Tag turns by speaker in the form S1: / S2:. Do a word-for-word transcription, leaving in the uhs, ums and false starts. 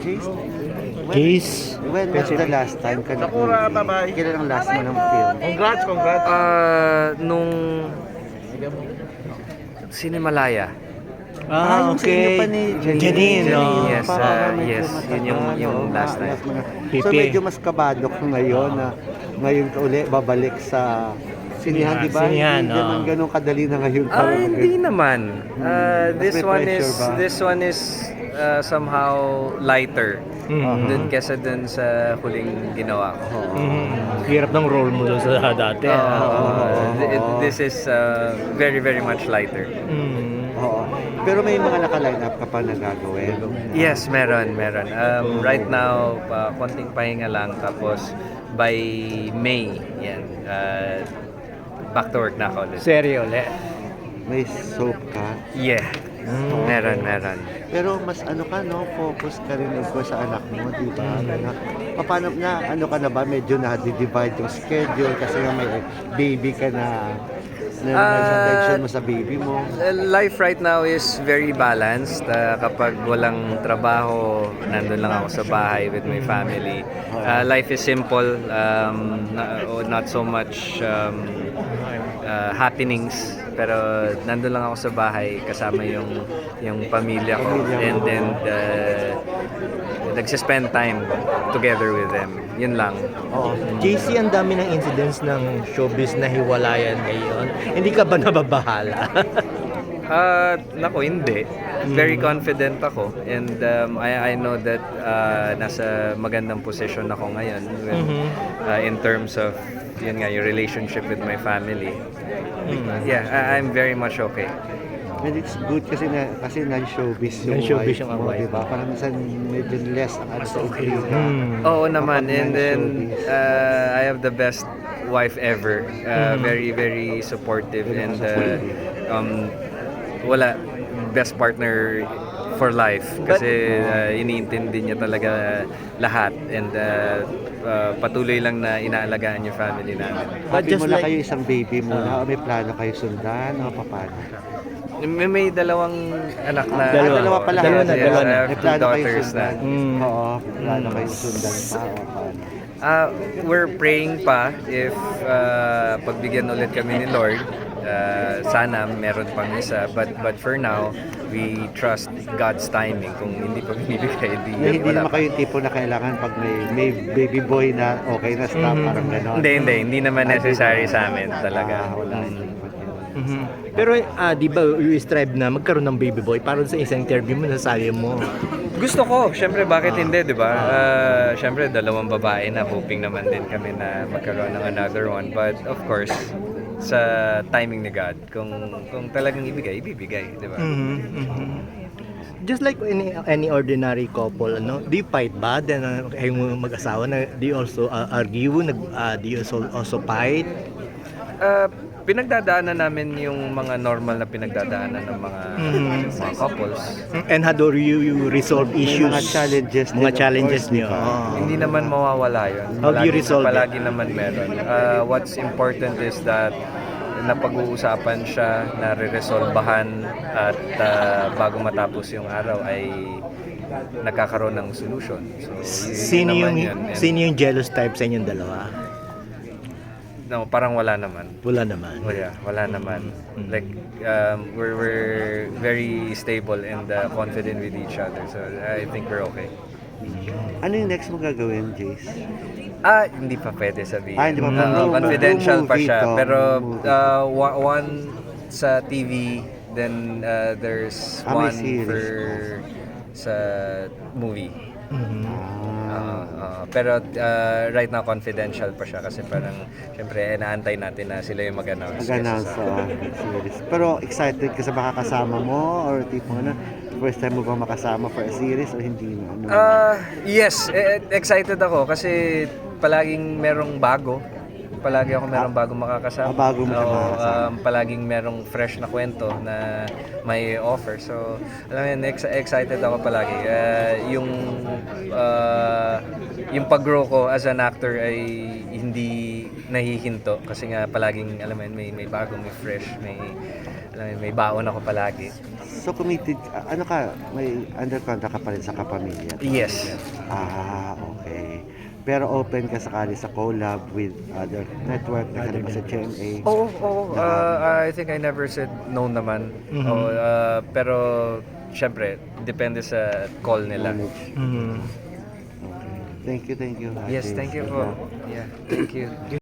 S1: Jace, when,
S2: Case.
S1: when was the last time ka nag-movie? Kailan ang last mo ng film?
S3: Congrats, congrats.
S4: Ah, nung Cinemalaya.
S1: Ah, yung sa inyo pa ni Janine.
S2: Janine, no?
S4: Yes,
S1: Parang
S4: ah,
S1: medyo
S4: yes.
S1: matagal,
S4: Yun yung- yung
S1: oo,
S4: last
S1: nga,
S4: time.
S1: last mo na. So
S2: Pipi.
S1: medyo mas kabado ka ngayon na ngayon ka uli babalik sa sinihan, di ba?
S2: Sinihan,
S1: Hindi naman
S2: oo.
S1: ganun kadali na ngayon.
S4: Ah,
S1: para
S4: hindi
S1: mag-
S4: naman. Ah,
S1: Mas
S4: this
S1: may
S4: one
S1: pressure
S4: is
S1: ba?
S4: this one is ah, somehow lighter
S2: Mhm.
S4: dun kesa dun sa huling ginawa ko.
S2: Mhm. Hirap ng role mo doon sa dati.
S4: Ah,
S2: ah.
S4: ah, th- this is ah, very very much lighter.
S2: Mhm.
S1: Oo. Pero may mga naka-line up ka pa na gagawin.
S4: Yes, meron, meron. Um, right now, uh, konting pahinga lang. Tapos, by May, yan, uh, back to work na ako ulit.
S2: Seryo ulit.
S1: May soap ka.
S4: Yeah,
S2: Mm.
S4: meron, meron.
S1: Pero mas ano ka, no? Focus ka rin of course sa anak mo, di ba? Na, paano na, ano ka na ba? Medyo na-divide yung schedule kasi nga may baby ka na. Na,
S4: Ah,
S1: sa attention mo sa baby mo.
S4: Uh, Life right now is very balanced. Uh, kapag walang trabaho, nandun lang ako sa bahay with my family. Uh, life is simple, um, na- oh, not so much um, uh, happenings, pero nandun lang ako sa bahay kasama yung yung pamilya ko,
S1: Pamilya mo.
S4: and then uh, nagsispend time together with them. Yun lang.
S2: Oo. J C, ang dami ng incidents ng showbiz na hiwalayan ngayon. Hindi ka ba nababahala?
S4: Ah, nako, hindi. Very confident ako, and um, I I know that uh, nasa magandang position ako ngayon with,
S2: Mhm.
S4: uh, in terms of yun nga, yung relationship with my family. Yeah, I, I'm very much okay.
S1: And it's good kasi na kasi non-showbiz yung
S2: Non-showbiz
S1: wife
S2: yung
S1: mo,
S2: wife
S1: di ba? Parang minsan medyo less ang ano sa intriga.
S2: Hmm.
S4: Oo naman,
S1: Kapag
S4: and then
S1: non-showbiz.
S4: uh, I have the best wife ever. Uh, Very, very supportive, and uh, um, wala, best partner for life kasi uh, iniintindi niya talaga lahat, and uh, uh, patuloy lang na inaalagaan yung family namin.
S2: But
S1: Happy
S2: just
S1: mo na
S2: like-
S1: kayo isang baby mo na, o may plano kayo sundan, o paano?
S4: May, may dalawang anak na.
S1: Ah,
S2: Dalawa.
S1: dalawa pala.
S2: Dalawa
S4: Yes,
S2: na,
S4: yes,
S2: dalawa
S4: I
S2: na.
S4: have
S1: May
S4: two
S1: plano kayo
S4: daughters na.
S1: sundan.
S2: Mm.
S1: Oo, may plano kayo sundan pa, o paano?
S4: Uh, we're praying pa if uh, pagbigyan ulit kami ni Lord. Uh, sana meron pang isa, but but for now we trust God's timing. Kung hindi pa binibigay, hindi,
S1: Na hindi
S4: wala
S1: naman
S4: pa.
S1: kayo yung tipo na kailangan pag may, may baby boy na okay na stop,
S2: Mhm.
S1: parang gano'n.
S4: Hindi, hindi, hindi naman
S1: Ah,
S4: necessary
S1: di ba?
S4: sa amin talaga.
S1: Ah, wala.
S4: Mm.
S2: Mhm. Pero ah, di ba you strive na magkaroon ng baby boy? Parang sa isang interview mo nasabi mo.
S4: Gusto ko, syempre bakit hindi, di ba? Uh, syempre dalawang babae na, hoping naman din kami na magkaroon ng another one. But of course, sa timing ni God, kung kung talagang ibigay, ibibigay, di ba?
S2: Mhm, mhm. Just like any any ordinary couple, ano, do you fight ba? Then uh, kayong mag-asawa na do you also uh, argue, nag uh, do you also, also fight?
S4: Uh, pinagdadaanan namin yung mga normal na pinagdadaanan ng mga,
S2: Mhm.
S4: mga couples.
S2: And how do you, you resolve
S1: May
S2: issues?
S1: mga challenges din,
S2: Mga
S1: of
S2: challenges
S1: course, di
S2: niyo.
S1: ba?
S2: Oo.
S4: Hindi naman mawawala yun.
S2: How do you
S4: Palagi-
S2: resolve it?
S4: Palagi naman meron. Uh, what's important is that napag-uusapan siya, nare-resolbahan, at uh, bago matapos yung araw ay nagkakaroon ng solution. So, y- yun
S2: Sino
S4: naman
S2: yung
S4: yun. And,
S2: sino yung jealous type sa inyong dalawa?
S4: no, parang wala naman.
S2: Wala naman.
S4: Wala, wala naman.
S2: Mm.
S4: Like, um, we're, we're very stable and uh, confident with each other. So, I think we're okay.
S1: Ano yung next mo gagawin, Jace?
S4: Ah, hindi pa pwede sabihin.
S1: Ah, hindi pa
S4: Ah,
S1: pwede.
S4: confidential pa
S1: Movie
S4: siya.
S1: to,
S4: Pero
S1: movie.
S4: uh, wa- one sa T V, then uh, there's
S1: Ah, may
S4: one
S1: series.
S4: for sa movie.
S2: Mhm.
S4: Ah, ah, pero uh, right now confidential pa siya kasi parang syempre inaantay natin na sila yung mag-announce.
S1: Mag-announce
S4: Yes,
S1: sa series. Pero excited ka sa makakasama mo? Or tipo ano, first time mo ba makasama for a series o hindi na? Ano?
S4: Ah, yes, eh, excited ako kasi palaging merong bago. Palagi ako merong bagong makakasama.
S1: Ah, bago mo siya
S4: Oo,
S1: makakasama.
S4: um, palaging merong fresh na kwento na may offer. So, alam mo yun, ex- excited ako palagi. Ah, yung ah, yung pag-grow ko as an actor ay hindi nahihinto kasi nga palaging alam mo yun, may may bago, may fresh, may alam mo yun, may baon ako palagi.
S1: So committed, ka- ano ka, may under contract ka pa rin sa Kapamilya?
S4: Yes.
S1: Ah, okay. Pero open ka sakali sa collab with other network, nakalipa sa G M A.
S4: Oo, oo. Uh, I think I never said no naman.
S2: Mhm.
S4: Oo, uh, pero syempre, depende sa call nila.
S1: Manage.
S2: Mhm.
S1: Okay. Thank you, thank you.
S4: Yes,
S1: Ate.
S4: thank you po. Yeah, thank you.